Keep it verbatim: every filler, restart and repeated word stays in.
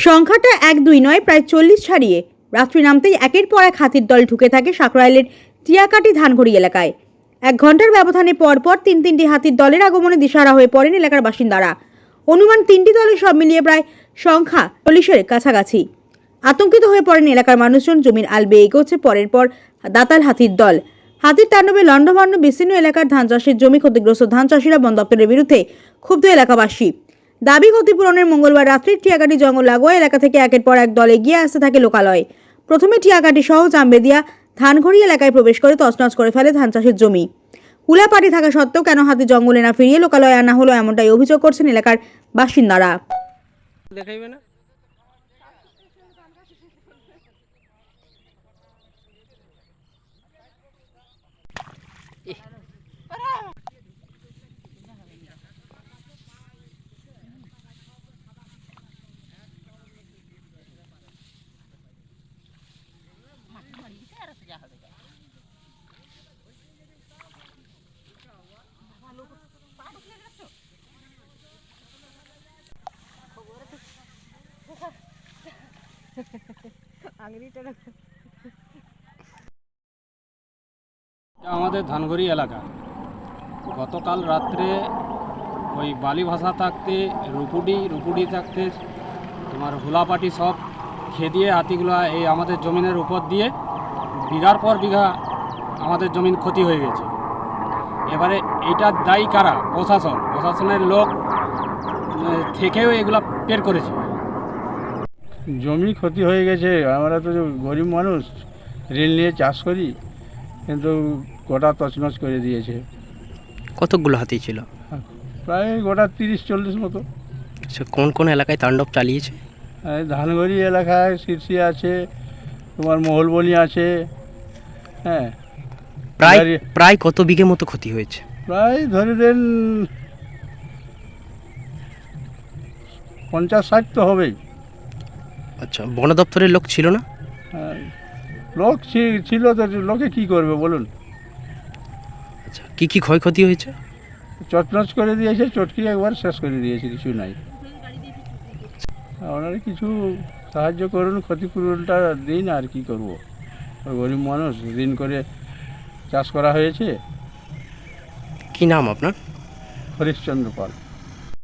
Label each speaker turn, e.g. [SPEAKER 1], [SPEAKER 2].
[SPEAKER 1] সংখ্যাটা এক দুই নয়, প্রায় চল্লিশ ছাড়িয়ে রাত্রি নামতেই একের পর এক হাতির দল ঢুকে থাকে সাঁকরাইলের টিয়াকাটি ধানঘড়ি এলাকায়। এক ঘন্টার ব্যবধানে পরপর তিন তিনটি হাতির দলের আগমনে দিশাহারা হয়ে পড়েন এলাকার বাসিন্দারা। অনুমান তিনটি দলের সব মিলিয়ে প্রায় সংখ্যা চল্লিশের কাছাকাছি। আতঙ্কিত হয়ে পড়েন এলাকার মানুষজন। জমির আল বেয়ে এগোচ্ছে পরের পর দাতাল হাতির দল। হাতির তাণ্ডবে লণ্ডভণ্ড বিস্তীর্ণ এলাকার ধান চাষের জমি ক্ষতিগ্রস্ত ধান চাষিরা বন দপ্তরের বিরুদ্ধে ক্ষুব্ধ এলাকাবাসী। দাবি ক্ষতিপূরণের মঙ্গলবার রাত্রি টিয়াকাটি জঙ্গল লাগোয়া এলাকা থেকে একের পর এক দল এগিয়ে আসতে থাকে লোকালয়ে। প্রথমে টিয়াকাটি সহ জামবেদিয়া ধানঘড়ি এলাকায় প্রবেশ করে তছনছ করে ফেলে ধান চাষের জমি। হুলাপাটি থাকা সত্ত্বেও কেন হাতি জঙ্গলে না ফিরিয়ে লোকালয়ে আনা হলো, এমনটাই অভিযোগ করছেন এলাকার বাসিন্দারা।
[SPEAKER 2] দেখাইবে না আমাদের ধানঘড়ি এলাকা গতকাল রাত্রে ওই বালি ভাষা থাকতে রুপুডি রুপুডি থাকতে তোমার হুলাপাটি সব খেয়ে দিয়ে হাতিগুলো এই আমাদের জমিনের উপর দিয়ে বিঘার পর বিঘা আমাদের জমিন ক্ষতি হয়ে গেছে। এবারে এইটার দায়ী কারা? প্রশাসন। প্রশাসনের লোক থেকেও এগুলা বের করেছে।
[SPEAKER 3] জমি ক্ষতি হয়ে গেছে। আমরা তো গরিব মানুষ, ঋণ নিয়ে চাষ করি, কিন্তু গোটা তছনছ করে দিয়েছে।
[SPEAKER 4] কতগুলো হাতি ছিল?
[SPEAKER 3] প্রায় গোটা তিরিশ চল্লিশ মতো।
[SPEAKER 4] আচ্ছা, কোন কোন এলাকায় তাণ্ডব চালিয়েছে?
[SPEAKER 3] এই ধানঘড়ি এলাকায় শীর্ষি আছে, তোমার মহলবনি আছে। হ্যাঁ,
[SPEAKER 4] প্রায় প্রায় কত বিঘে মতো ক্ষতি হয়েছে?
[SPEAKER 3] প্রায় ধরে দেন পঞ্চাশ ষাট তো হবেই।
[SPEAKER 4] আচ্ছা, বন দপ্তরের লোক ছিল না?
[SPEAKER 3] হ্যাঁ, লোক ছিল তো, লোকে কি করবে বলুন।
[SPEAKER 4] আচ্ছা, কি কি ক্ষয়ক্ষতি হয়েছে?
[SPEAKER 3] চটনচ করে দিয়েছে, চটকি একবার শেষ করে দিয়েছে, কিছু নাই। আপনারা কিছু সাহায্য করুন, ক্ষতিপূরণটা দিন। আর কি করব, গরিব মানুষ, ঋণ করে চাষ করা হয়েছে।
[SPEAKER 4] কি নাম আপনার?
[SPEAKER 3] হরিশ্চন্দ্র পাল।